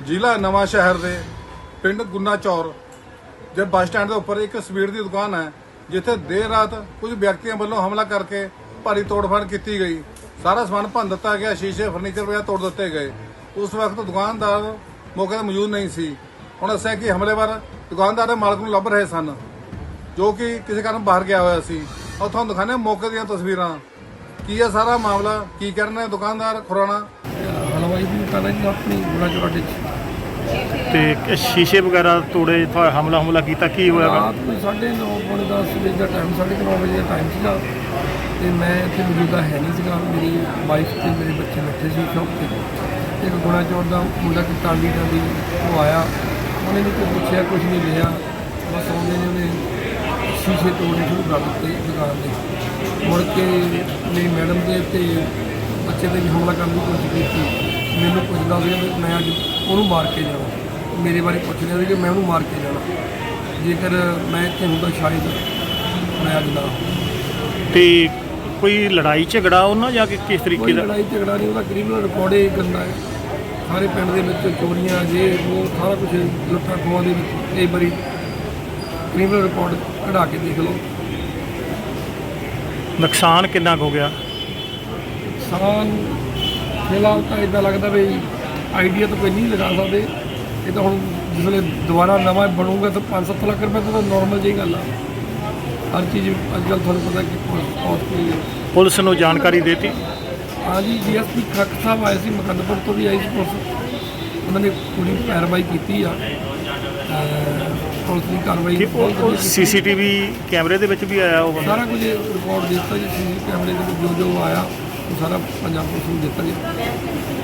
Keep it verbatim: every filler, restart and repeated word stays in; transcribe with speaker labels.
Speaker 1: ਜ਼ਿਲ੍ਹਾ ਨਵਾਂ ਸ਼ਹਿਰ ਦੇ ਪਿੰਡ ਗੁੰਨਾ ਚੌਰ ਦੇ ਬੱਸ ਸਟੈਂਡ ਦੇ ਉੱਪਰ ਇੱਕ ਸਵੀਟ ਦੀ ਦੁਕਾਨ ਹੈ, ਜਿੱਥੇ ਦੇਰ ਰਾਤ ਕੁਝ ਵਿਅਕਤੀਆਂ ਵੱਲੋਂ ਹਮਲਾ ਕਰਕੇ ਭਾਰੀ ਤੋੜਫੋੜ ਕੀਤੀ ਗਈ। ਸਾਰਾ ਸਮਾਨ ਭੰਨ ਦਿੱਤਾ ਗਿਆ, ਸ਼ੀਸ਼ੇ ਫਰਨੀਚਰ ਵਗੈਰਾ ਤੋੜ ਦਿੱਤੇ ਗਏ। ਉਸ ਵਕਤ ਦੁਕਾਨਦਾਰ ਮੌਕੇ ਤੇ ਮੌਜੂਦ ਨਹੀਂ ਸੀ। ਹੁਣ ਦੱਸਿਆ ਕਿ ਹਮਲੇਵਾਰ ਦੁਕਾਨਦਾਰ ਦੇ ਮਾਲਕ ਨੂੰ ਲੱਭ ਰਹੇ ਸਨ, ਜੋ ਕਿ ਕਿਸੇ ਕਾਰਨ ਬਾਹਰ ਗਿਆ ਹੋਇਆ ਸੀ। और ਤੁਹਾਨੂੰ ਦਿਖਾਣੇ ਮੌਕੇ ਦੀਆਂ ਤਸਵੀਰਾਂ। ਕੀ ਹੈ ਸਾਰਾ ਮਾਮਲਾ, ਕੀ ਕਰਨਾ ਦੁਕਾਨਦਾਰ ਖੁਰਾਣਾ
Speaker 2: ਹਲਵਾਈ ਦੀ ਦੁਕਾਨ ਹੈ ਜੀ ਆਪਣੀ ਗੁਣਾ ਚੌਰਾਹੇ 'ਚ।
Speaker 3: ਤੇ ਸ਼ੀਸ਼ੇ ਵਗੈਰਾ ਤੋੜੇ, ਹਮਲਾ ਹਮਲਾ ਕੀਤਾ, ਕੀ ਹੋਇਆ?
Speaker 2: ਰਾਤ ਕੋਈ ਸਾਢੇ ਨੌ ਪੌਣੇ ਦਸ ਵਜੇ ਦਾ ਟਾਈਮ, ਸਾਢੇ ਕੁ ਨੌ ਵਜੇ ਦਾ ਟਾਈਮ ਸੀਗਾ ਅਤੇ ਮੈਂ ਇੱਥੇ ਮੌਜੂਦਾ ਹੈ ਨਹੀਂ ਸੀਗਾ। ਮੇਰੀ ਵਾਈਫ ਅਤੇ ਮੇਰੇ ਬੱਚੇ ਬੈਠੇ ਸੀ ਸ਼ੌਪ 'ਤੇ। ਇੱਕ ਗੁਣਾ ਚੌਰ ਦਾ ਮੁੰਡਾ ਕਿ ਟਾਂਡੀ ਟਾਂਡੀ ਉਹ ਆਇਆ, ਉਹਨੇ ਨਹੀਂ ਕੋਈ ਪੁੱਛਿਆ, ਕੁਛ ਨਹੀਂ ਲਿਆ, ਬਸ ਆਉਂਦੇ ਨੇ ਉਹਨੇ ਸ਼ੀਸ਼ੇ ਤੋੜਨੇ ਸ਼ੁਰੂ ਕਰ ਦਿੱਤੇ ਦੁਕਾਨ ਦੇ। ਮੁੜ ਕੇ ਮੇਰੀ ਮੈਡਮ ਦੇ ਅਤੇ ਬੱਚੇ 'ਤੇ ਵੀ ਹਮਲਾ ਕਰਨ ਦੀ ਕੋਸ਼ਿਸ਼ ਕੀਤੀ। ਮੈਨੂੰ ਪੁੱਛਦਾ ਸੀ ਵੀ ਮੈਂ ਅੱਜ ਉਹਨੂੰ ਮਾਰ ਕੇ ਜਾਣਾ, ਮੇਰੇ ਬਾਰੇ ਪੁੱਛ ਰਿਹਾ ਸੀ ਕਿ ਮੈਂ ਉਹਨੂੰ ਮਾਰ ਕੇ ਜਾਣਾ, ਜੇਕਰ ਮੈਂ ਇੱਥੇ ਹੁੰਦਾ ਸ਼ਾਇਦ ਮੈਂ ਅੱਜ ਨਾ।
Speaker 3: ਤੇ ਕੋਈ ਲੜਾਈ ਝਗੜਾ ਉਹਨਾਂ ਜਾਂ ਕਿ ਕਿਸ ਤਰੀਕੇ ਦਾ?
Speaker 2: ਲੜਾਈ ਝਗੜਾ ਨਹੀਂ, ਉਹਦਾ ਕ੍ਰਿਮੀਨਲ ਰਿਕਾਰਡ ਹੀ ਗੰਦਾ ਹੈ। ਸਾਰੇ ਪਿੰਡ ਦੇ ਵਿੱਚ ਚੋਰੀਆਂ ਜੇ ਉਹ ਸਾਰਾ ਕੁਛ ਲੁੱਟਾਂ ਖੋਹਾਂ ਦੇ ਵਿੱਚ ਕਈ ਵਾਰੀ ਕ੍ਰਿਮੀਨਲ ਰਿਕਾਰਡ ਕਢਾ ਕੇ ਦੇਖ ਲਓ।
Speaker 3: ਨੁਕਸਾਨ ਕਿੰਨਾ ਕੁ ਹੋ ਗਿਆ?
Speaker 2: ਨੁਕਸਾਨ ਫਿਲਹਾਲ ਤਾਂ ਇੱਦਾਂ ਲੱਗਦਾ ਵੀ ਆਈਡੀਆ ਤਾਂ ਕੋਈ ਨਹੀਂ ਲਗਾ ਸਕਦੇ। ਇਹ ਤਾਂ ਹੁਣ ਜਿਸ ਵੇਲੇ ਦੁਬਾਰਾ ਨਵਾਂ ਬਣੂਗਾ ਤਾਂ ਪੰਜ ਸੱਤ ਲੱਖ ਰੁਪਏ ਤਾਂ ਨੋਰਮਲ ਜਿਹੀ ਗੱਲ ਆ। ਹਰ ਚੀਜ਼ ਅੱਜ ਕੱਲ੍ਹ ਤੁਹਾਨੂੰ ਪਤਾ ਕਿ ਕੋਸਟਲੀ ਹੈ।
Speaker 3: ਪੁਲਿਸ ਨੂੰ ਜਾਣਕਾਰੀ ਦੇਤੀ?
Speaker 2: ਹਾਂਜੀ, ਡੀ ਐਸ ਪੀ ਖੱਕ ਸਾਹਿਬ ਆਏ ਸੀ, ਮੁਕੰਦਪੁਰ ਤੋਂ ਵੀ ਆਈ ਸੀ ਪੁਲਿਸ। ਉਹਨਾਂ ਨੇ ਪੂਰੀ ਕਾਰਵਾਈ ਕੀਤੀ ਆ, ਪੁਲਿਸ ਦੀ ਕਾਰਵਾਈ ਬਹੁਤ
Speaker 3: ਸੀ ਸੀ ਟੀ ਵੀ ਕੈਮਰੇ ਦੇ ਵਿੱਚ ਵੀ ਆਇਆ ਉਹ ਬੰਦਾ?
Speaker 2: ਸਾਰਾ ਕੁਝ ਰਿਕਾਰਡ ਦਿੱਤਾ ਜੀ, ਸੀ ਸੀ ਕੈਮਰੇ ਦੇ ਵਿੱਚ ਜੋ ਜੋ ਆਇਆ ਉਹ ਸਾਰਾ ਪੰਜਾਬ ਪੁਲਿਸ ਨੂੰ ਦਿੱਤਾ ਜੀ।